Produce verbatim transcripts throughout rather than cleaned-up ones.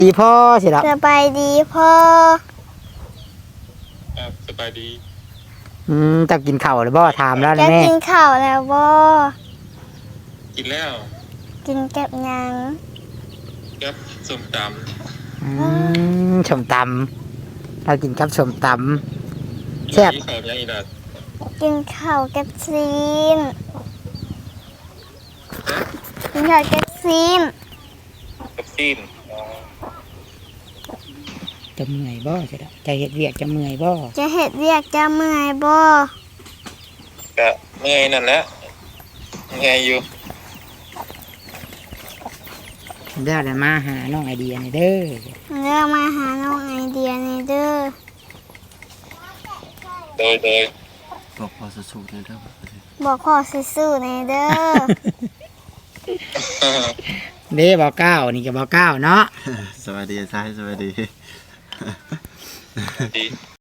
ดีพ่อสิครับสบายดีพ่อครับสบายดีอืมจะกินข้าวหรือบ่ถามแล้วจะนะแม่กินข้าวแล้วบ่กินแล้วกินกับหยังครับส้มตอืมส้มตำเรากินกับส้มตำำแซ่บอีข้าวยังอีกนะกินข้าวกับซีนกินข้าวกับซีนกับซีนจะเมื่อยบ่สิครับจะเฮ็ดเวียกจะเมื่อยบ่จะเฮ็ดเรียกจะเมื่อยบ่ก็เมื่อยนั่นแหละเมื่อยอยู่เดี๋ยวจะมาหาน้องไอเดียนี่เด้อเรื่องมาหาน้องไอเดียนี่เด้อโดยโดยบอกพอสู้ๆในเด้อบอกขอซื่อๆในเด้อเด้บ่เก้านี่ก็บ่เก้าเนาะสวัสดีชายสวัสดีดี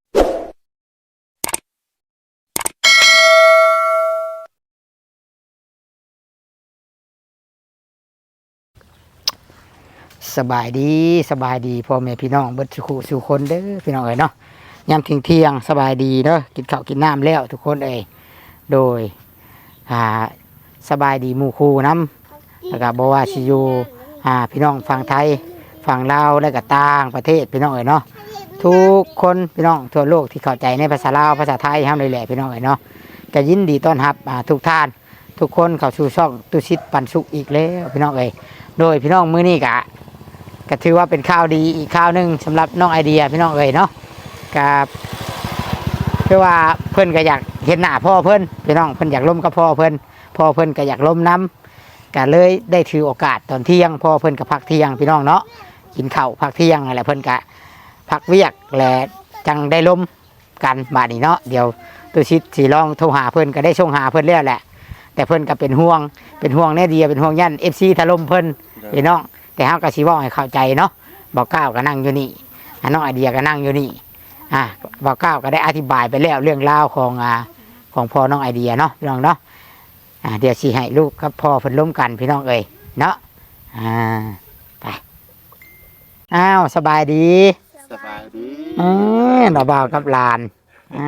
สบายดีสบายดีพ่อแม่พี่น้องเบิดสุขสู่คนเด้อพี่น้องเอ้ยเนาะยามเที่ยงๆสบายดีเด้อกินข้าวกินน้ำแล้วทุกคนเอ้ยโดยอ่าสบายดีหมู่คู่นำแล้วก็บ่ว่าสิอยู่อ่าพี่น้องฝั่งไทยฝั่งลาวและก็ต่างประเทศพี่น้องเอ้ยเนาะทุกคนพี่น้องทั่วโลกที่เข้าใจในภาษาลาวภาษาไทยห้ามเลยแหละพี่น้องเอ้ยเนาะก็ยินดีต้อนรับอ่าทุกท่านทุกคนเข้าสู่ช่องตุชิตปันสุขอีกแล้วพี่น้องเอ้ยโดยพี่น้องมื้อนี้ก็ก็ถือว่าเป็นข่าวดีอีกข่าวหนึ่งสำหรับน้องไอเดียพี่น้องเอ๋ยเนาะกับเพื่อว่าเพิ่นก็อยากเห็นหน้าพ่อเพิ่นพี่น้องเพิ่นอยากล้มกับพ่อเพิ่นพ่อเพิ่นก็อยากล้มน้ำก็เลยได้ถือโอกาสตอนเที่ยงพ่อเพิ่นก็พักเที่ยงพี่น้องเนาะกินข้าวพักเที่ยงอะไรเพิ่นก็พักเวียกและจังได้ล้มกันบาดนี้เนาะเดี๋ยวตุชิตสีลองโทรหาเพิ่นก็ได้ส่งหาเพิ่นแล้วแหละแต่เพิ่นก็เป็นห่วงเป็นห่วงแน่เดียเป็นห่วงยันเอฟซีถล่มเพิ่นพี่น้องแต่เฮาก็สิเว้าให้เข้าใจเนาะบอกก้าวก็นั่งอยู่นี่น้องไอเดียก็นั่งอยู่นี่อ่าบอกก้าวก็ได้อธิบายไปแล้วเรื่องราวของอ่าของพ่อน้องไอเดียเนาะพี่น้องเนาะอ่าเดี๋ยวสิให้ลูกกับพ่อเพิ่นล้มกันพี่น้องเอ้ยเนาะอ่าไปอ้าวสบายดีสบายดีเออดอกบ่าวกับหลานอ่า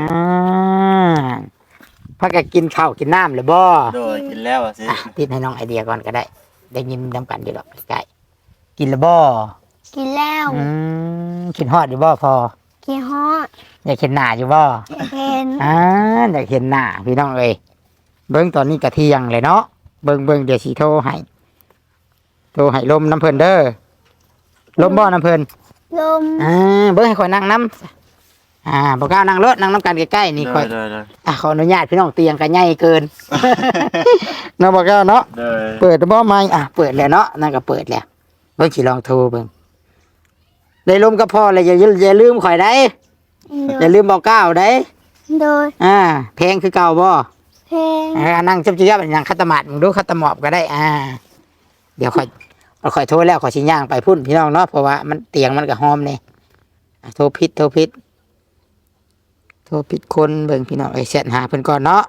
พักก็กินข้าวกินน้ำหรือบ่โดยกินแล้วอ่ะสิอ่ะติดให้น้องไอเดียก่อนก็ได้ได้ยินนำกันอยู่หรอกใกล้ๆกินหรือบ่กินแล้วอืมกินฮอดอยู่บ่พอกินฮอดอยากเห็นหน้าอยู่บ่เห็นอ่าอยากเห็นหน้าพี่น้องเอ้ยเบิ่งตอนนี้กะเที่ยงเลยเนาะเบิ่งเบิ่งเดี๋ยวสิโทรให้โทรให้ลมน้ำเพิ่นเด้อลมบ่น้ำเพิ่นลมอ่าเบิ่งให้ข่อยนั่งน้ำอ่าบ่กล้านั่งรถนั่งน้ำกันใกล้ๆนี่โดข่อย ยโดยโดยอ่ะขออนุญาตพี่น้องเตียงก็ใหญ่เกิน เนาะบ่กล้าเนาะโดยเปิดบ่ไหมอ่ะเปิดแล้วเนาะนั่นก็เปิดแล้วเบิ่งสิลองโทรเบิ่งได้ลมกับพ่อเลยอย่าอย่าลืมข่อยได้โดอย่าย ลืมบอกก้าวได้โดยอ่าเพลงคือเก่าบ่เพลงอ่านั่งจับจีบอย่างคัตมาดมึงดูคัตหมอบก็ได้อ่าเดี๋ยวค่อยเราค่อยโทรแล้วขอยชิย่างไปพุ่นพี่น้องเนาะเพราะว่ามันเตียงมันก็หอมเนี่ยอ่ะโทรพิษโทรพิษโทรพิษคนเบิ่งพี่น้องไอ้เสร็จหาเพิ่นก่อนเนาะ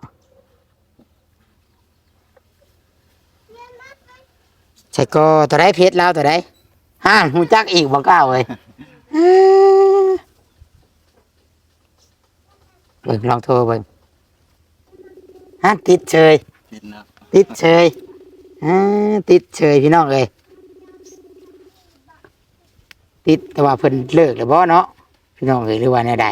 ใช่ก็ตัวได้เพชรแล้วตัวได้ฮ่านหูจักอีกบอกก้าวเลยเบิ่งลองโทรเบิ่งฮ่านติดเฉยกินแล้วติดเฉยอ่าติดเฉยพี่น้องเลยติดแต่ว่าเพิ่นเลิกแล้วบ่เนาะพี่น้องเลยหรือว่าแนวใด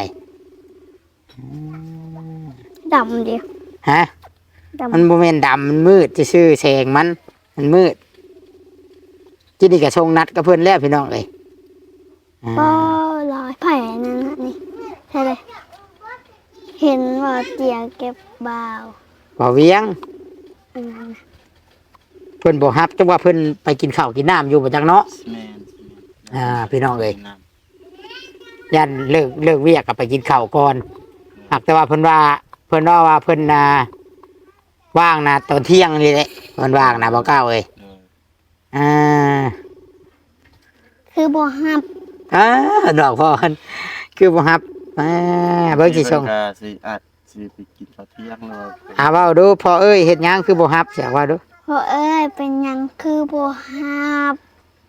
ดำดิฮะดำมันบ่แม่นดำมันมืดซื่อๆแสงมันมันมืดจินี่ก็ชงนัดกับเพิ่นแล้วพี่น้องเลยอ่าก็ลอยไผ่นั่นน่ะนี่ใช่เลยเห็นว่าเตียงเก็บบ่าวบ่เวียงอันนั้นเพิ่นบ่ฮับจังว่าเพิ่นไปกินข้าวกินน้ำอยู่บ่จักเนาะแม่นอ่าพี่น้องเอ้ยกินน้ยันเลิกเลิกเวียกก็ไปกินข้าวก่อนหากแต่ว่าเพิ่นว่าเพิ่นว่าว่าเพิ่นน่ะว่างนะตอนเที่ยงนี่แหละเพิ่นว่างนะบ่กล้าเอ้ยำโดยอ่าคือบ่ฮับอ่าดอกพ่อเพิ่นคือบ่ฮับอ่าเบิ่งสิส่งเพิ่นก็สิอาจสิไปกินข้าวเที่ยงแล้วอ่าเว้าดูพ่อเอ้ยเฮ็ดหยังคือบ่ฮับเสียว่าดูเพราะเอ้ยเป็นหยังคือบ่ฮับอ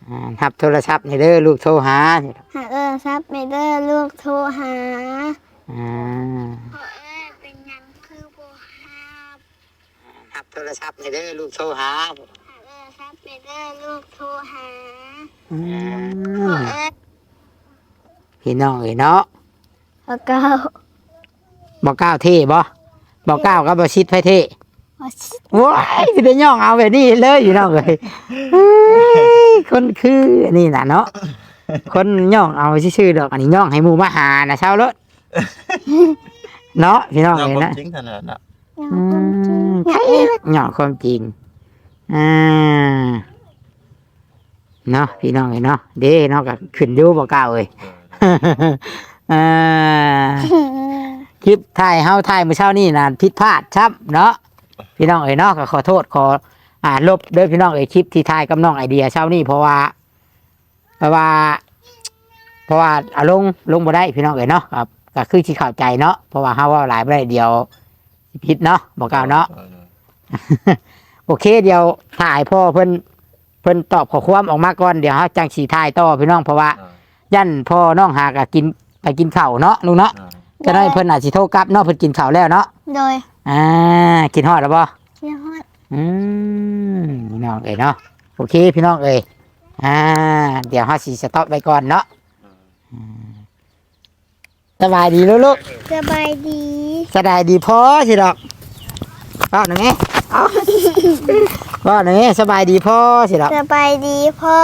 อ่ารับโทรศัพท์นี่เด้อลูกโทรหาหาเออซับไม่เด้อลูกโทรหาอ่าพ่อเอ้ยเป็นหยังคือบ่ฮับรับโทรศัพท์นี่เด้อลูกโทรหาหาเออซับไม่เด้อลูกโทรหาอืพ่อมเอ้ยพี่น้องเอ้ยเนาะพ่อเก้าบ่ก้าวเท่บ่บ่ก้าวก็บ่ชิดไผเท่พ่อชิดว้ายสิเป็นย่องเอาแบบนี้เลยพี่น้องเอ้ยเฮ้ยคนคืออันนี่น่ะเนาะคนย่องเอาซื่อๆดอกอันนี้ย่องให้หมู่มาหาน่ะเช้ารถเนาะพี่น้องเราเอ้ยความนะจริงขนาดน่ะยังอืคนจริงมอยากเรียกย่องความจริงอ่าเนาะพี่น้องเอ้ยเนาะเด้เนาะก็ขึ้นอยู่บ่ก้าวเอ้ย อ่าคลิปถ่ายเฮาถ่ายมื้อเช้านี่น่ะผิดพลาดครับเนาะพี่น้องเอ๋ยเนาะก็ขอโทษขออ่าลบเด้อพี่น้องเอ๋ยคลิปที่ถ่ายกับน้องไอเดียเช้านี่เพราะว่าเพราะว่า เพราะว่าเอาลงลงบ่ได้พี่น้องเอ๋ยเนาะครับก็คือสิเข้าใจเนาะเพราะว่าเฮาเว้าหลายบ่ได้เดียวสิผิดเนาะบ่กล่าวเนาะ โอเคเดี๋ยวถ่ายพ่อเพิ่นเพิ่นตอบข้อความออกมาก่อนเดี๋ยวเฮาจังสิถ่ายต่อพี่น้องเพราะว่ายันพ่อน้องหาก็กินไปกินข้าวเนาะลุงเนาะจะได้เพิ่นอาจสิโทรกลับเนาะเพิ่นกินข้าวแล้วเนาะโดยอ่ากินฮอดแล้วบ่เชียร์ฮอดอืมพี่น้องเอ้ยเนาะโอเคพี่น้องเอ้ยอ่าเดี๋ยวเฮาสิสต็อปไว้ก่อนเนาะอืมสบายดีลูกสบายดีๆสบายดีพอสิดอกป้าหน่อยแม่เอาป้าหน่อยแม่สบายดีพอสิดอกสบายดีพ่อ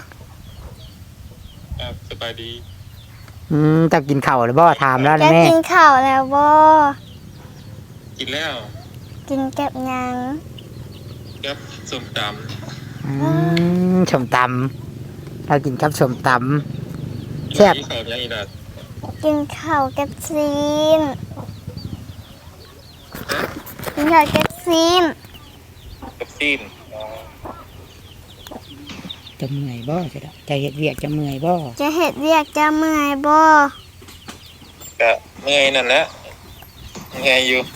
ครับสบายดีอืมจะกินข้าวหรือบ่ถามแล้วจะนะแม่กินข้าวแล้วบ่กินแล้วกินกับหยังครับส้มตอืมชมตำเรากินกับชมตำแซ่บที่เขายังอีดัดกินข้าวกับซีนกินข้าวกับซีนกับซีนำจะเมื่อยบ่สิดอกจะเฮ็ดเวียกจะเมื่อยบ่จะเห็ดเรียกจะเมื่อยบ่ก็เมื่อยนั่นแหละเมื่อยอยู่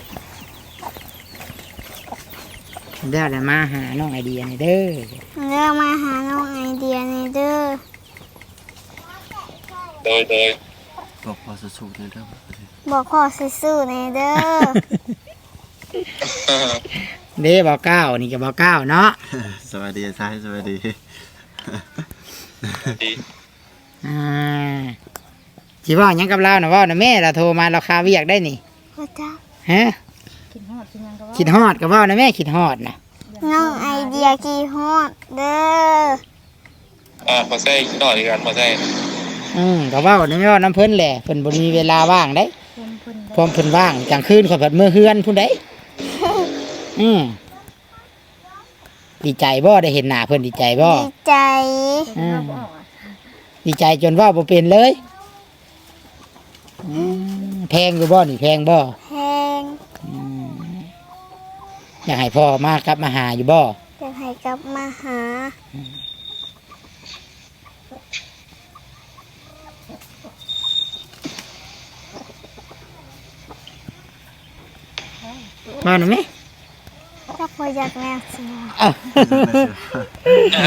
เดี๋ยวจะมาหาน้องไอเดียนี่เด้อเรื่องมาหาน้องไอเดียในเด้อโดยโดยบอกพอสู้ๆในเรื่องบอกพ่อซื่อๆในเด้อเด้บ่เก้านี่ก็บ่เก้าเนาะสวัสดีซ้ายสวัสดีดีอ่าสิเว้าหยังกับเราน่ะเว้าน่ะแม่เราโทรมาเราคาเวียกได้นี่พ่อจ้าฮะคิดฮอดก็เว้านะแม่คิดฮอดน่ะน้องไอเดียกี่ฮอดเด้ออ่ามาใส่หน่อยกันมาใส่อืมก็เว้านี่เว้าน้ำเพิ่นแหละเพิ่นบ่มีเวลาว่างได้พร้อมเพิ่นว่างกลางคืนข่อยเพิ่นมื้อเฮือนพุ่นได้ อืมดีใจบ่ได้เห็นหน้าเพิ่นดีใจบ่ดีใจอืมดีใจจนเว่าบ่เป็นเลยอืมแพงอยู่บ่นี่แพงบ่แพงอืมอยากให้พ่อมากลับมาหาอยู่บ่จะให้กลับมาหามาหน่อยไหมถ้าพ่ออยากแม่สิเอาเอา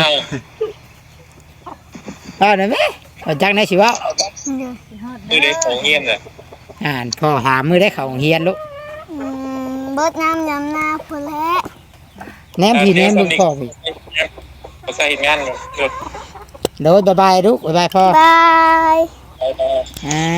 มาหน่อยไหมเอาจักไหนสิเว่าเด้อคือเด็กของเงียบเนี่ยอ่านพ่อหามือได้เข้าโรงเรียนลูกอืมเบิดน้ำยำหน้าพุ่นแหละแนมพี่แนมลูกพ่อพี่มาใส่งานหยุดโดยบ๊ายบายลูกบ๊ายบายพ่อบายไปไปอ่า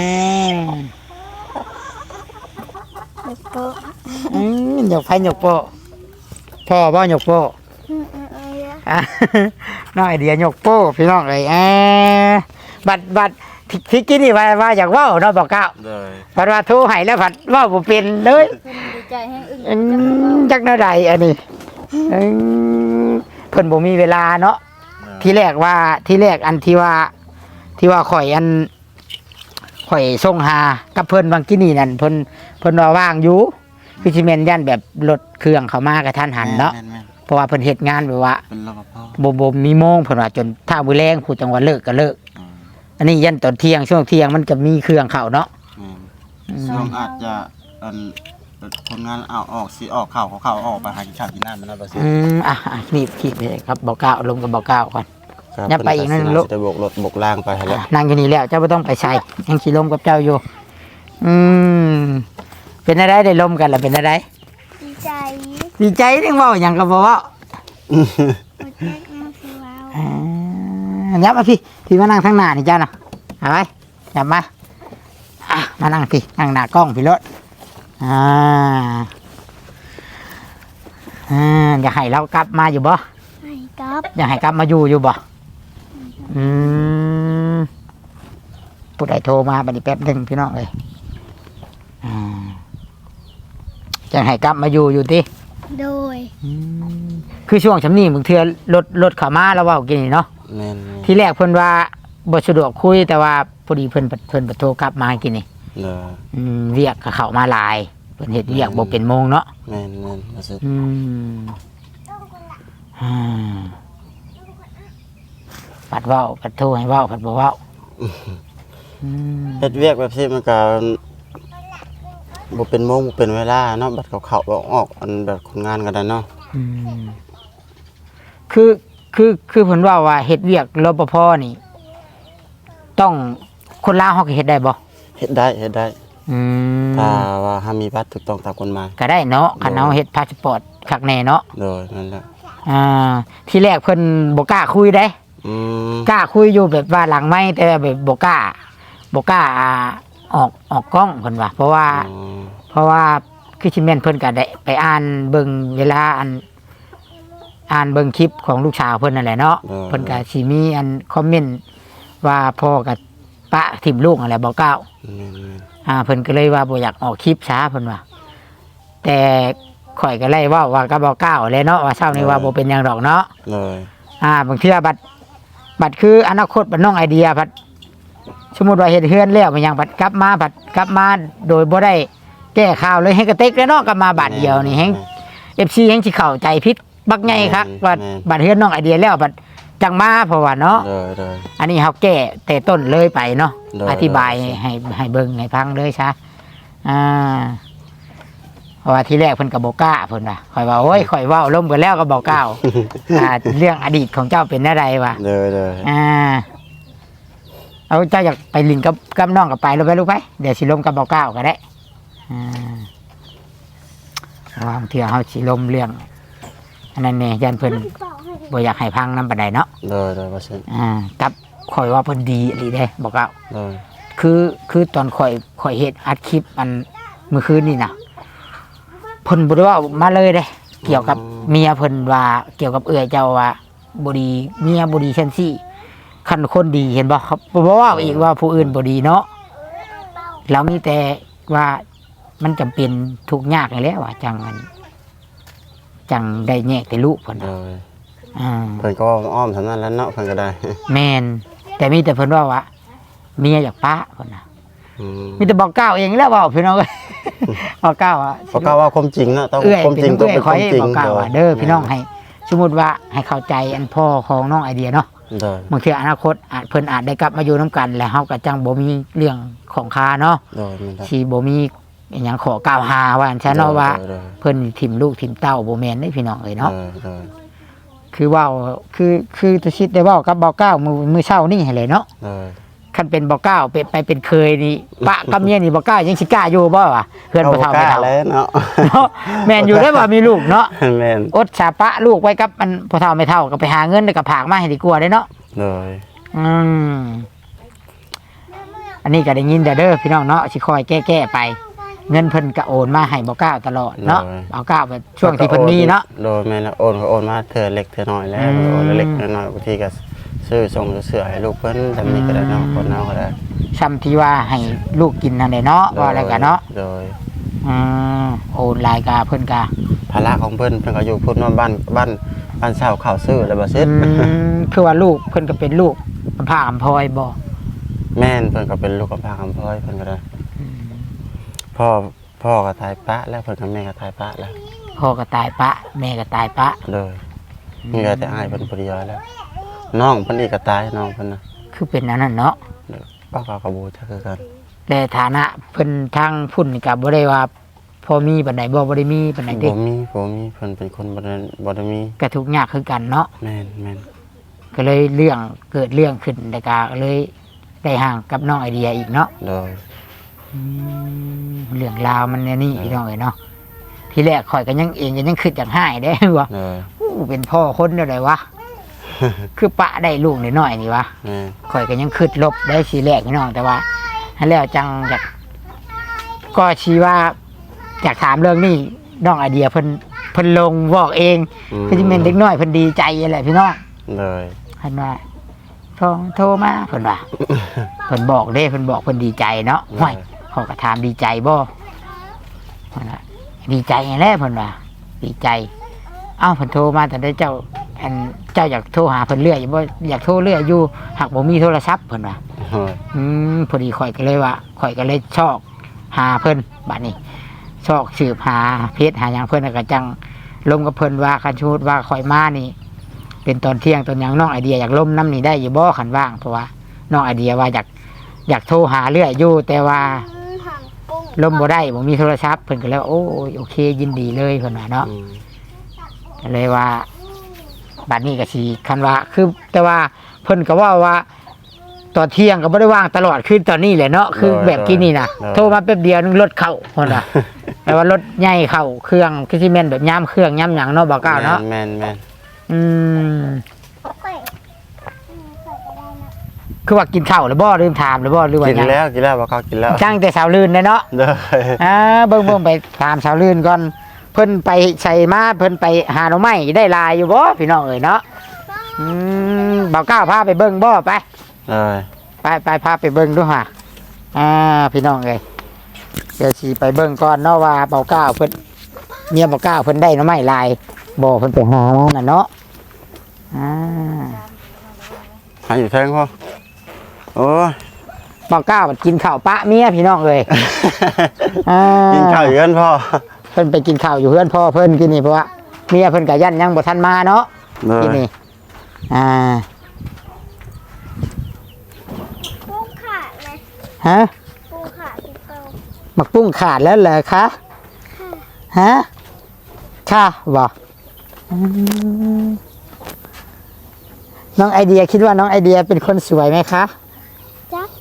เด็กโป๊ะอืมหยกไผหยกโปะพ่อบ่หยกโปะอืมอืมอืมอ่ะ น้องไอเดียหยกโป้พี่น้องเอ้ยอ่าบัดบัดที่ที่กินนี่ว่าว่าอยากเว้าเนาะบอกเก้าเลยผัดว่าโทรให้แล้วผัดเว้าบ่เป็นเลยดีใจแห้งอึ้งอืมจักแนวใดอันนี้อืมเพิ่นบ่มีเวลาเนาะที่แรกว่าที่แรกอันที่ว่า ที่ว่าข่อยอันข่อยส่งหากับเพิ่นบางกินี่นั่นเพิ่นเพิ่นว่าว่างอยู่คือสิแม่นยันแบบรถเครื่องเข้ามากระทันหันเนาะแม่นเพราะว่าเพิ่นเฮ็ดงานแบบว่าๆเป็นรปภบ่บ่มีโมงเพิ่นว่าจนถ้ามื้อแลงผู้จังหวัดเลิกก็เลิกอืมอันนี้ยันตอนเที่ยงช่วงเที่ยงมันก็มีเครื่องเข้าเนาะแม่นอืมช่วงอาจจะอันคนงานเอาออกสิออกข่าวเขาข่าวออกไปหากินข้าวกินน้ำมันนะบ่สิอืมอ่ะอ่ะนี่คิดเลยครับเบาเก้าลงกับเบาเก้าก่อนอย่าไปอีกนั่นลูกจะบกรถบกล่างไปแล้วนั่งอยู่นี่แล้วเจ้าไม่ต้องไปใส่ยังขี่ลมกับเจ้าอยู่ อืมเป็นอะไรได้ลมกันล่ะเป็นอะไรดีใจดีใจนึงเว่าอย่างกับบอกว่าโปรเจกต์มาคือว้าวอ่ายับมาพี่พี่มานั่งข้างหน้านี่เจ้าเนาะเอาไว้ยับมาอ่ะมานั่งพี่นั่งหน้ากล้องพี่รถอ่าอ่าอยากให้เรากลับมาอยู่บ่ให้กับอยากให้กลับมาอยู่อยู่บ่อืมผู้ใดโทรมาบัดนี้แป๊บหนึ่งพี่น้องเลยอ่าอยากให้กลับมาอยู่อยู่ที่โดยคือช่วงชำนี้บางเทื่อรถรถเข้ามาแล้วเว่ากินนี่เนาะแม่นที่แรกเพิ่นว่าบ่สะดวกคุยแต่ว่าพอดีเพิ่นเพิ่นโทรกลับมากินนี่เด้ออืมเรียกก็เข้ามาหลายเพิ่นเฮ็ดเรียกบ่เป็นโมงเนาะแม่นแม่นว่าสิอืมอ่าปัดเว้าปัดโทรให้เว้าปัดบ่เว้าอืมเฮ็ดเวียกแบบนี้มันก็บ่เป็นโมงบ่เป็นเวลาเนาะบัดเขาเข้าออกออกอันแบบคนงานก็ได้เนาะอืมคือคือคือเพิ่นว่าว่าเฮ็ดเวียกรปภนี่ ต้องคนลาวเฮาก็เฮ็ดได้บ่เฮ็ดได้เฮ็ดได้อืมถ้าว่าหามีบัตรถูกต้องตามกฎหมายก็ได้เนาะคันเฮาเฮ็ดพาสปอร์ตคักแน่เนาะโดยนั่นแหละอ่าที่แรกเพิ่นบ่กล้าคุยได้อืมกล้าคุยอยู่แบบว่าหลังไม้แต่แบบบ่กล้าบ่กล้าออกออกกล้องเพิ่นว่าเพราะว่าอ๋อเพราะว่าคือสิแม่นเพิ่นก็ได้ไปอ่านเบิ่งเวลาอันอ่านเบิ่งคลิปของลูกสาวเพิ่นนั่นแหละเนาะเพิ่นก็สิมีอันคอมเมนต์ว่าพ่อกับปะทิ่มลูกนั่นแหละบ่กล้าแม่นอ่าเพิ่นก็เลยว่าบ่อยากออกคลิปช้าเพิ่นว่าแต่ข่อยก็เลยเว้าว่าก็บ่กล้าเลยเนาะว่าเช้านี้ว่าบ่เป็นหยังดอกเนาะๆเลยอ่าบางเทื่อบัดบัดคืออนาคตบัดน้องไอเดียบัดสมมุติว่าเฮ็ดเฮือนแล้วมันยังบัดกลับมาบัดกลับมาโดยบ่ได้แก้ข่าวเลยให้กระเต็กแล้วเนาะกลับมาบาดเดียวนี่แฮง เอฟ ซี แฮงสิเข้าใจผิดบักใหญ่คักว่าบัดเฮือนน้องไอเดียแล้วบัดจังมาเพราะว่าเนาะเลยเลยอันนี้เฮาแก้แต่ต้นเลยไปเนาะได้อธิบายได้ให้ให้เบิ่งให้ฟังเลยซะอ่าเพราะว่าที่แรกเพิ่นก็บ่กล้าเพิ่นว่าข่อยว่าโอ้ยข่อยเว้าล้มกันแล้วก็บ่กล้าอ่าเรื่องอดีตของเจ้าเป็นอะไรวะเลยเลยอ่าเอาเจ้าอยากไปลินกับกับน้องกับไปลงไปลูกไปเดี๋ยวสิลมกับเบาเก้าก็ได้อ่าวางเถื่อเขาสิลมเรื่องอันนั้นเนี่ยยันเพิ่นบ่อยากให้พังน้ำปานใดเนาะเลยเลยว่าเช่นอ่ากับข่อยว่าเพิ่นดีอีหลีเด้บอกเก้าเลยคือคือตอนข่อยข่อยเฮ็ดอัดคลิปอันเมื่อคืนนี่นะเพิ่นบ่ได้เว่ามาเลยเด้ เกี่ยวกับเมียเพิ่นว่าเกี่ยวกับเอื้อยเจ้าว่าบ่ดีเมียบ่ดีซั่นซี่คันคนดีเห็นบ่ครับบ่ว่าอีกว่าผู้อื่นบ่ดีเนาะเรามีแต่ว่ามันจำเป็นทุกข์ยากนี่แหละว่าจังอันจังได้แยกแต่ลูกเพิ่นเลน่ะยอ่าเพิ่นก็อ้อมทำนั้นแล้วเนาะเพิ่นก็ได้แม่นแต่มีแต่เพิ่นว่าว่าเมียอยากป้าเพิ่นน่ะอืมมีแต่บอกก้าวเองแล้วเว้าพี่น้องเอ้ย บอกก้าวอ่ะเพราะก็ว่าความจริงเนาะต้องเอื้อยความเป็จริงนต้องเอื้อยเป็นขคอวามให้จริงบอกกล่าวว่าเด้อพี่น้องให้สมมุติว่าให้เข้าใจอันพ่อของน้องไอเดียเนาะเลยบางทีอนาคตอาจเพิ่นอาจได้กลับมาอยู่น้ำกันแล้วเฮาก็จังบ่มีเรื่องของคาเนาะเลยมันได้สิบ่มีอิหยังขอกล่าวหาว่าอันฉันเนาะว่าเลยเพิ่นถิ่มลูกถิ่มเต้าบ่แม่นเด้พี่น้องเอ้ยเนาะเลยเลยคือเว้าคือคือตุชิดได้เว้ากับเบาเก้ามื้อมื้อเช้านี่ให้เลยเนาะเลยคันเป็นเบาเก้าไปไปเป็นเคยนี่ปะกับเมียนี่เบาเก้ายังสิกล้าอยู่บ่วะเพื่อนบ่เฒ่าไม่เฒ่าแล้วเนาะเนาะแม่นอยู่ได้ว่ามีลูกเนาะแม่นอดชาปะลูกไว้กับมันพอเท่าไม่เท่าก็ไปหาเงินแล้วก็ผากมาให้ดีกว่าได้เนาะเลยอืมอันนี้ก็ได้ยินแต่เด้อพี่น้องเนาะสิคอยแก้ๆไป เงินเพิ่นก็โอนมาให้บ่ก้าวตลอดเนาะบ่ก้าวแบบช่วงที่เพิ่นมีเนาะโดยแม่นแล้วโอนก็โอนมาเธอเล็กเธอน้อยแล้วอืมโอนเล็กเธอน้อยบางทีก็ซื้อส่งเสื้อให้ลูกเพิ่นทำนี่ก็ได้เนาะคนเนาก็ได้ซ้ำที่ว่าให้ลูกกินนั่นแหละเนาะว่าอะไรกันเนาะโดยอืมโอนรายกาเพิ่นก็ภาระของเพิ่นเพิ่นก็อยู่พุ่นเนาะบ้านบ้านบ้านเช่าข้าวซื้อแล้วบ่เสร็จอืมคือว่าลูกเพิ่นก็เป็นลูกอำพาอำพอยบ่แม่นเพิ่นก็เป็นลูกกำพร้าคำพ้อยเพิ่นก็ได้พ่อพ่อก็ตายปะแล้วเพิ่นกับแม่ก็ตายปะแล้วพ่อก็ตายปะ แม่ก็ตายปะเลยมีแต่อ้ายเพิ่นผู้เดียวแล้ว น้องเพิ่นอีกก็ตายน้องเพิ่นน่ะคือเป็นอันนั้นเนาะป้าก็กระบูจักคือกันแต่ฐานะเพิ่นทางพุ่นนี่ก็บ่ได้ว่าพอมีปานใดบ่บ่ได้มีปานใดเด้บ่มีบ่มีเพิ่นเป็นคนบ่ได้บ่ได้มีก็ทุกข์ยากคือกันเนาะแม่นแม่นก็เลยเรื่องเกิดเรื่องขึ้นแล้วก็เลยได้ห่างกับน้องไอเดียอีกเนาะโดยอืมเรื่องราวมันเนี่ยนี่พี่น้องเอ้ยเนาะที่แรกข่อยก็ยังเองก็ยังคิดอย่างหายได้ว่าโดยอู้เป็นพ่อคนเดียวเลยวะ คือปะได้ลูกน้อยๆนี่วะแม่นข่อยก็ยังคิดลบได้ทีแรกพี่น้องแต่ว่าให้แล้วจังอยากก็ชี้ว่าอยากถามเรื่องนี้น้องไอเดียเพิ่นเพิ่นลงบอกเองคือที่เป็นเด็กน้อยเพิ่นดีใจอะไรพี่น้องเลยเพิ่นว่าโทรโทรมาเพิ่นว่า เพิ่นบอกเด้เพิ่นบอกเพิ่นดีใจเนาะห้อยเขาก็ถามดีใจบ่เพิ่นว่าดีใจแน่เพิ่นว่าดีใจ เอ้าเพิ่นโทรมาแต่ได้เจ้าอันเจ้าอยากโทรหาเพิ่นเรื่อยบ่อยากโทรเรื่อยอยู่หากบ่มีโทรศัพท์เพิ่นว่าโดยอืมพอดีข่อยก็เลยว่าข่อยก็เลยชอกหาเพิ่นบัดนี้ชอกสืบหาเพจหาหยังเพิ่นแล้วก็จังลงกับเพิ่นว่าคันชูดว่าข่อยมานี่ เป็นตอนเที่ยงตอนหยังน้องไอเดียอยากล่มน้ำนี่ได้อยู่บ่คันว่างเพราะว่าน้องไอเดียว่าอยากอยากโทรหาเรื่อยอยู่แต่ว่าทางกุ้งล่มบ่ได้บ่มีโทรศัพท์เพิ่นก็เลยว่าโอ้ยโอเคยินดีเลยเพิ่นว่าเนาะอืมก็เลยว่าบัดนี้ก็สิคันว่าคือแต่ว่าเพิ่นก็ว่าว่า ตอนเที่ยงก็บ่ได้ว่างตลอดคือตอนนี้แหละเนาะคือแบบกี้นี่นะโทรมาแป๊บเดียวนึงรถเข้าเพิ่นว่า แต่ว่ารถใหญ่เข้าเครื่องคือสิแม่นแบบย่ามเครื่องย่ามหยังเนาะบ่กล้าเนาะแม่นแม่นอืมไข่อืมไข่ก็ได้นะคือว่ากินข้าวหรือบ่ลืมถามหรือบ่หรือว่ากินหยังแล้วกินแล้วบ่เขากินแล้วจ้างแต่สาวลื่นเลยเนาะเด้ออ่าเบิ่งเบิ่งไปถามสาวลื่นก่อนเพิ่นไปใส่มาเพิ่นไปหาหน่อไม้ได้ลายอยู่บ่พี่น้องเอ้ยเนาะอืมบ่าวก้าวพาไปเบิ่งบ่ไปเลยไปไปพาไปเบิ่งดูห่าอ่าพี่น้องเอ้ยเดี๋ยวสิไปเบิ่งก่อนเนาะว่าบ่าวก้าวเพิ่นเมียบ่าวก้าวเพิ่นได้หน่อไม้ลายบ่เพิ่นไปหามาน่ะเนาะอ่าหาอยู่แทงพ่อโอ้ยบ่าวก้าวมันกินข้าวปะเมียพี่น้องเอ้ยอ่ากินข้าวอยู่กันพ่อเพิ่นไปกินข้าวอยู่เพื่อนพ่อเพิ่นกินนี่เพราะว่าเมียเพิ่นก็ยันยังบ่ทันมาเนาะเลกินยนี่อ่ากุ้งขาดเลยฮะกุ้งขาดที่เป้าหมักปุ้งขาดแล้วเหรอคะค่ะฮะค่ะบ่อืมน้องไอเดียคิดว่าน้องไอเดียเป็นคนสวยไหมคะจัก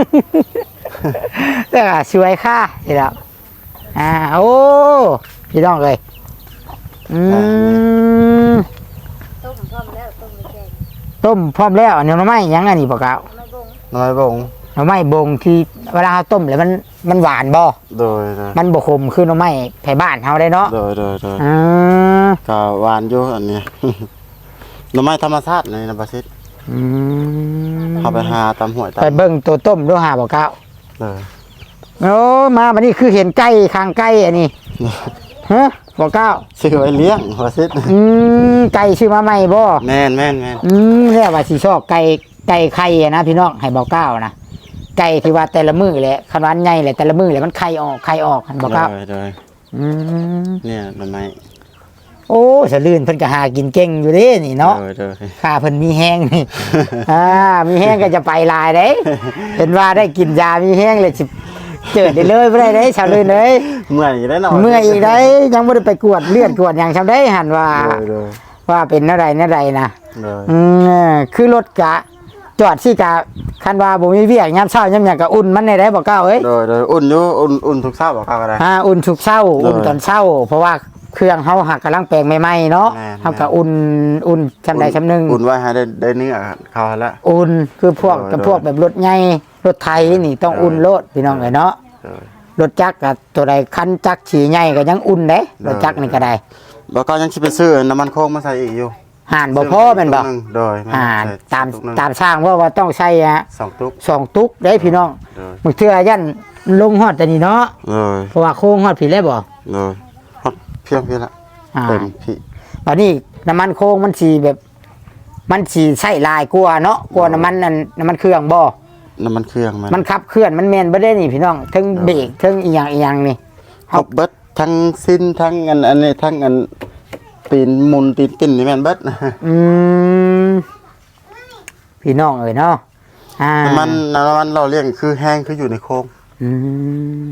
แต่ก็สวยค่ะสิแล้วอ่าโอ้พี่น้องเลยอืมต้มพร้อมแล้วต้มไม่แกงต้มพร้อมแล้วอันนี้หน่อไม้ยังอันนี้บ่กล่าวไม่บงน้อยบงหน่อไม้บงที่เวลาเราต้มแล้วมันมันหวานบ่โดยโดยมันบ่ขมคือหน่อไม้ไผบ้านเฮาได้เนาะโดยโดยโดยอืมก็หวานอยู่อันนี้ หน่อไม้ธรรมชาติในนบสิตอืมเข้าไปหาตามห้วยตามไปเบิ่งตัวต้มดูหาบ่ก้าวเลยโอ้มาบัดนี้คือเห็นไก่ข้างไก่อันนี้ฮะบ่ก้าวซื้อไว้เลี้ยงบสิตอืมไก่ชื่อมาใหม่บ่แม่นแม่นแม่นอืมแล้วว่าสิชอบไก่ไก่ไข่อะนะพี่น้องให้บ่ก้าวนะไก่ที่ว่าแต่ละมื้อแหละคันว่าอันใหญ่แหละแต่ละมื้อแหละมันไข่ออกไข่ออกหั่นบ่ก้าวโดยโดยอืมเนี่ยหน่อไม้โอ้สะลื่นเพิ่นก็หากินเก่งอยู่เด้นี่เนาะโดยโดยข้าเพิ่นมีแห้งนี่ อ่า มีแห้งก็จะไปลายเด้ เห็นว่าได้กินยา มีแห้งเลยสิเจิดได้เลยบ่ได้เด้ชาวเลยเลยเมื่อยอยู่ได้หน่อยเมื่อยอีกได้ยังบ่ได้ไปกวดเลือดกวดหยังชำได้หันว่าโดยโดยว่าเป็นอะไรอะไรนะโดยอืมคือรถกะ จอดสิกะคันว่าบ่มีเวียกยามเช้ายามหยังก็อุ่นมันได้ได้บ่เก้าเอ้ยโดยโดยอุ่นอยู่อุ่นอุ่นทุกเช้าบอกเขาก็ได้อ่าอุ่นทุกเช้า อุ่นตอนเช้า เพราะว่าเครื่องเฮาหักกำลังแปลงใหม่ๆเนาะแม่นเฮาก็อุ่นอุ่นชำใดชำหนึงอุ่นไว้ให้ได้ได้เนื้อเขาแล้วอุ่นคือพวกโดยกับพวกแบบรถใหญ่รถไทยนี่ต้องโดยอุ่นรถพี่น้องเอ้ยเนาะโดยรถจักรกับตัวใดคันจักรขี่ใหญ่ก็ยังอุ่นเด้โดรยถจักรนี่ก็ได้แล้วก็ยังสิไปซื้อน้ำมันโค้งมาใส่อีกอยู่ห่านบ่พอแม่นบ่ตุกหงโดยแม่นห่านใส่ตามตุกหนึ่งตามสร้างว่าว่าต้องใช้ฮะสองตุกสองตุกได้พี่น้องโดยมึงเทื่อยันลงฮอดแต่นี่เนาะโดยเพราะว่าโค้งฮอดผิดแล้วบ่โดยฮอดเพียงพี่ละอ่าเต็มพี่ตอนนี้น้ำมันโค้งมันสิแบบ มันสิใช้ลายกลัวาเนาะกลัวาน้ำมันนั่นน้ำมันเครื่องบ่น้ำมันเครื่องมันมันขับเคลื่อนมันแม่นบ่ได้นี่พี่น้องทั้งเบรกทั้งอีหยังอีหยังนี่ครบเบิดทั้งสิ้นทั้งอันอันนี้ทั้งอันตีนมุนตีนปิ้นนี่แม่นเบิดอืมพี่น้องเอ้ยเนาะอ่าน้ำมันน้ำมันเราเลี้ยงคือแห้งคืออยู่ในโค้งอืม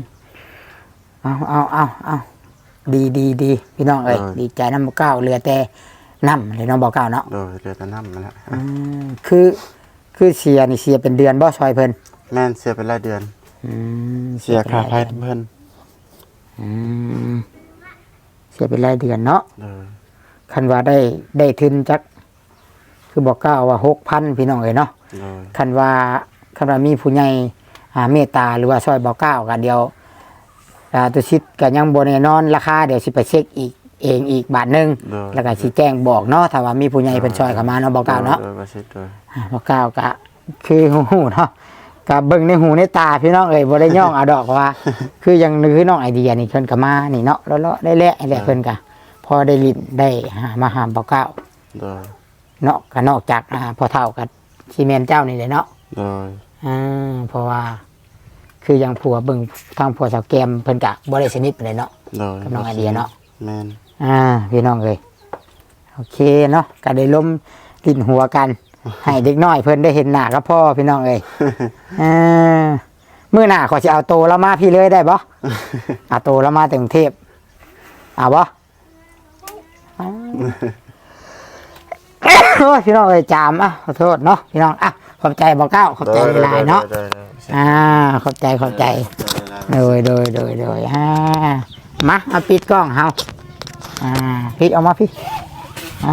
เอาเอาเอาเอาดีดีดีพี่น้องเอ้ยดีใจน้ำเก้าเหลือแต่น้ำเลยเน้องบอกเก้าเนาะโดยเรือแตะน้ำนั่นแหละอืมคือคือเสียนี่เสียเป็นเดือนบ่ซอยเพิ่นแม่นเสียเป็นรายเดือนอืมเสียค่าไฟเป็นรายเดือนเพิ่นอืมเสียเป็นรายเดือนเนาะโดยคันว่าได้ได้ทุนจักคือบอกเก้าว่าหกพันพี่น้องเอ้ยเนาะโดยคันว่าคันว่ามีผู้ใหญ่อ่าเมตตาหรือว่าซอยบอกเก้ากันเดียวอ่าตุชิดก็ยังบ่แน่นอนราคาเดี๋ยวสิไปเช็คอีกเองอีกบาทหนึงโดยแล้วก็สิแจ้งบอกเนาะถ้าว่ามีผู้ใหญ่เพิ่นซอยเข้ามาเนาะบอกเก้าเนาะโดยประสิทธิ์โดยอ่าบอกเก้าก็คือหูเนาะก็เบิ่งในหูในตาพี่น้องเอ้ยบ่ได้ย่องเอาดอกว่า คือยังนึกคือน้องไอเดียนี่เพิ่นก็มานี่เนาะเลาะๆได้แลไอ้แหละเพิ่นก็พอได้ลิ้นได้หามาหามบอกเก้าโดยเนาะก็นอกจากอ่าพอเท่ากับซีเมนเจ้านี่เลยเนาะโดยอ่าเพราะว่า คือยังผัวเบิ่งทางผัวสาวแกมเพิ่นก็บ่ได้สนิทปานใดเนาะโดยกับน้องไอเดียเนาะแม่นอ่าพี่น้องเอ้ยโอเคเนาะก็ได้ล้มลิ้นหัวกัน ให้เด็กน้อยเพิ่นได้เห็นหน้ากับพ่อพี่น้องเอ้ยอ่ามื้อหน้าขอสิเอาโตแล้วมาพี่เลยได้บ่ เอาโตแล้วมาแต่กรุงเทพเอาบ่อ้าวโอ้ยพี่น้องเอ้ยจามอ่ะขอโทษเนาะพี่น้องอ่ะขอบใจบ่เก้าขอบใจหลายๆเนาะโดยโดยโดยอ่าขอบใจขอบใจโดยโดยโดยโดยอ่ามาเอาปิดกล้องเฮาอ่าพี่เอามาพี่อ่า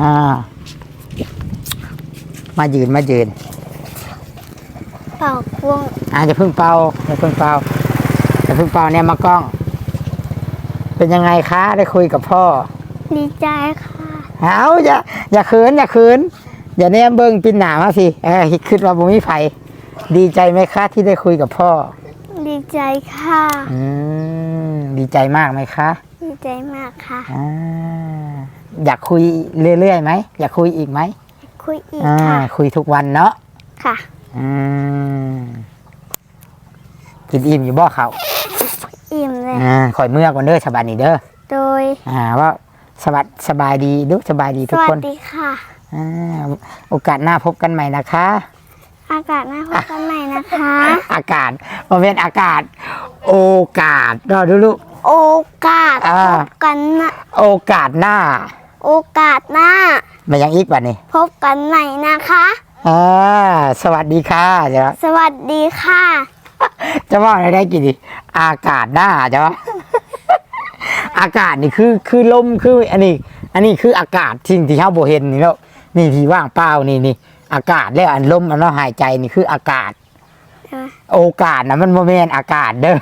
มายืนมายืนเป่าควงอ่าจะพึ่งเป่าจะพึ่งเป่าจะพึ่งเป่าเนี่ยมากล้อง เป็นยังไงคะได้คุยกับพ่อดีใจค่ะเอาอย่าอย่าเขินอย่าเขินอย่าแนมเบิ้งปินหนามาสิเออคิดว่าบุมีไผดีใจไหมคะที่ได้คุยกับพ่อดีใจค่ะอืมดีใจมากไหมคะดีใจมากค่ะอ่าอยากคุยเรื่อยๆไหมอยากคุยอีกไหมคุยอีกอ่าค่ะคุยทุกวันเนาะค่ะอืมกินอิ่มอยู่บ่เขาอิ่มเลยอ่าข่อยเมื่อก่อนเด้อสบายดีเด้อโดยอ่าว่าสบายสบายดีดูสบายดีสทุกวัคสนดีค่ะอ่าโอกาสหน้าพบกันใหม่นะคะอากาศหน้าพบกันใหม่นะคะอากาศโมเมนต์อากาศ โอกาสรอดูลูกโอกาสอ่าพบกันนะโอกาสหน้าโอกาสหน้ามายังอีกบัดนี้พบกันใหม่นะคะอ่าสวัสดีค่ะเดี๋ยวสวัสดีค่ะจะว่าอะไรได้กี่ดีอากาศหน้าจ้ะ อากาศนี่คือคือลมคืออันนี้ อันนี้คืออากาศสิ่งที่เฮาบ่เห็นนี่แล้วนี่ที่ว่างเปล่านี่นี่อากาศแล้วอันลมอันเราหายใจนี่คืออากาศ โอกาสนะมันโมเมนต์อากาศเด้อ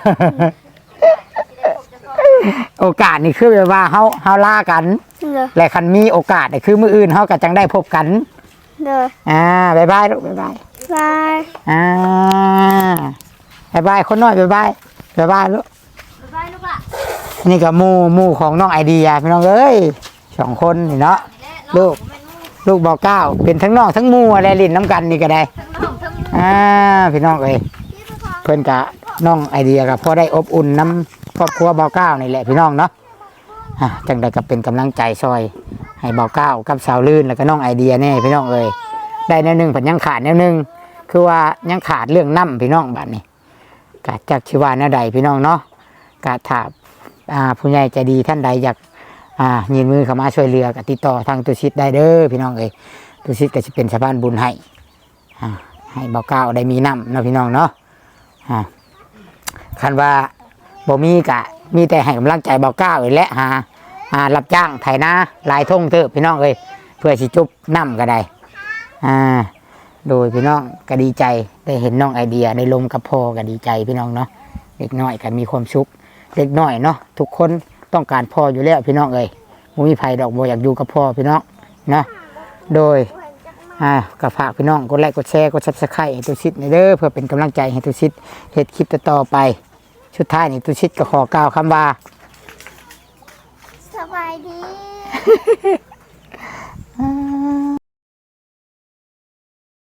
โอกาสนี่คือแบบว่าเฮาเฮาล่ากันเด้อและคันมีโอกาสนี่คือมื้ออื่นเฮาก็จังได้พบกันเด้ออ่าบ๊ายบายลูกบ๊ายบายบายอ่าบ๊ายบายคนน้อยบ๊ายบายบ๊ายบายลูกบายลูกละนี่ก็หมู่หมู่ของน้องไอเดียพี่น้องเอ้ยสองคนนี่เนาะลูกลูกบอกเก้าเป็นทั้งน้องทั้งหมู่อะไรลิ้นน้ำกันนี่ก็ได้อ่าพี่น้องเอ้ยเพื่อนกะน้องไอเดียกับพ่อได้อบอุ่นน้ำครอบครัวบอกเก้านี่แหละพี่น้องเนาะอ่ะจังใดก็เป็นกำลังใจซอย ให้บอกเก้ากับสาวลื่นแล้วก็น้องไอเดียแน่พี่น้องเอ้ยได้แนวหนึ่งผันยังขาดแนวหนึ่งคือว่ายังขาดเรื่องน้ำพี่น้องบัดนี้กะจากชิวาแนวใดพี่น้องเนาะกะถามอ่าผู้ใหญ่ใจดีท่านใดอยากอ่ายืนมือเข้ามาช่วยเรือกับติดต่อทางตุชิตได้เด้อพี่น้องเอ้ยตุชิตก็จะเป็นสะพานบุญให้อ่าให้เบาเก้าได้มีน้ำเนาะพี่น้องเนาะอ่าคันว่าบ่มีกะมีแต่ให้กำลังใจเบาเก้าอีกและหาอ่ารับจ้างไถนาลายท่งเถอะพี่น้องเอ้ยเพื่อสิจุบน้ำก็ได้อ่าโดยพี่น้องก็ดีใจได้เห็นน้องไอเดียได้ลมกับพ่อก็ดีใจพี่น้องเนาะเด็กน้อยก็มีความสุข เล็กน้อยเนาะทุกคนต้องการพ่ออยู่แล้วพี่น้องเอ้ยบ่มีไผดอกบ่อยากอยู่กับพ่อพี่น้องเนาะโดยอ่าก็ฝากพี่น้องกดไลค์กดแชร์กด ซับสไครบ์ ให้ตุชิตในเด้อเพื่อเป็นกำลังใจให้ตุชิตเฮ็ดคลิปต่อๆไปสุดท้ายนี่ตุชิตก็ขอกล่าวคำว่าสบายดี